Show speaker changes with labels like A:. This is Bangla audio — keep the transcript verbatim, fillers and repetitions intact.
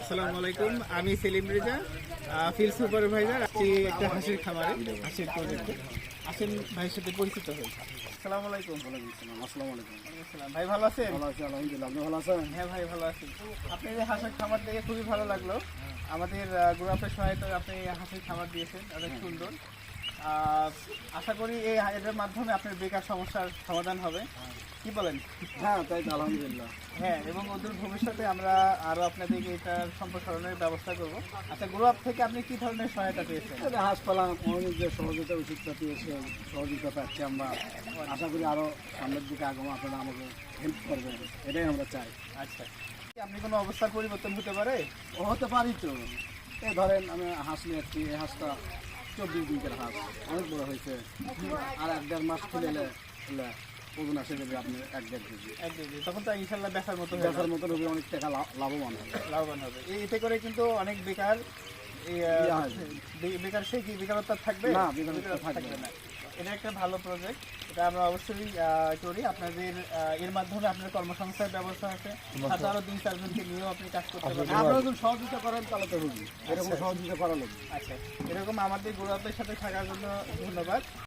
A: আসসালামু আলাইকুম, আমি সেলিম রেজা, ফিল্ড সুপারভাইজার আছি একটা হাঁসের খামারে, হাঁসের প্রজেক্টে। আসেন ভাইয়ের সাথে পরিচিত হই। আসসালামু আলাইকুম।
B: আসসালামু আলাইকুম।
A: আসসালাম। ভাই ভালো আছেন?
B: ভালো আছি আলহামদুলিল্লাহ। আপনি ভালো আছেন?
A: হ্যাঁ ভাই ভালো আছি। আপনি যে হাঁসের খামার দেখে খুবই ভালো লাগলো। আমাদের গ্রুপের সহায়তায় আপনি হাঁসের খামার দিয়েছেন, অনেক সুন্দর। আহ, আশা করি এই এটার মাধ্যমে আপনার বেকার সমস্যার সমাধান হবে, কি বলেন?
B: হ্যাঁ তাই তো আলহামদুলিল্লাহ।
A: হ্যাঁ, এবং ওদের ভবিষ্যতে আমরা আরো আপনাদেরকে এটার সম্প্রসারণের ব্যবস্থা করব। আচ্ছা, গ্রুপ থেকে আপনি কি ধরনের সহায়তা পেয়েছেন?
B: এই যে হাঁস পালা অনেক যে সহযোগিতা ওষুধটা পেয়েছে, সহযোগিতা পাচ্ছি আমরা। আশা করি আরও সামনের দিকে আগাম আপনারা আমাকে হেল্প করবেন, এটাই আমরা চাই।
A: আচ্ছা, আপনি কোনো অবস্থার পরিবর্তন হতে পারে?
B: ও হতে পারি তো। এই ধরেন আমি হাঁস নিয়ে আসছি, এই হাঁসটা চব্বিশ দিনের হাঁস, অনেক বড় হয়েছে। আর এক দেড় মাস খুলে এলে ওজন আসে যাবে আপনি এক দেড় কেজি।
A: এক কেজি, তখন তো ইনশাল্লাহ বেচার মতো হয়ে
B: বেচার
A: যাবে,
B: মতন হবে, অনেক টাকা লাভ- লাভবান হবে।
A: লাভবান হবে। এই- এতে করে কিন্তু অনেক বেকার এই, আহ,
B: ইয়া হয়।
A: বে- বেকার সে কি বেকারত্ব থাকবে?
B: না, বেকারত্ব
A: বেকারত্ব
B: থাকবে
A: না। এটা একটা ভালো প্রজেক্ট, এটা আমরা অবশ্যই আহ, করি। আপনাদের আহ, এর মাধ্যমে আপনার কর্মসংস্থানের ব্যবস্থা আছে, সাথে আরো দুই চারজনকে নিয়েও আপনি কাজ করতে পারবেন।
B: আপনারা যদি সহযোগিতা করেন তাহলে তো হবে, এরকম সহযোগিতা করা লাগবে।
A: আচ্ছা, এরকম আমাদের গ্রুপের সাথে থাকার জন্য ধন্যবাদ।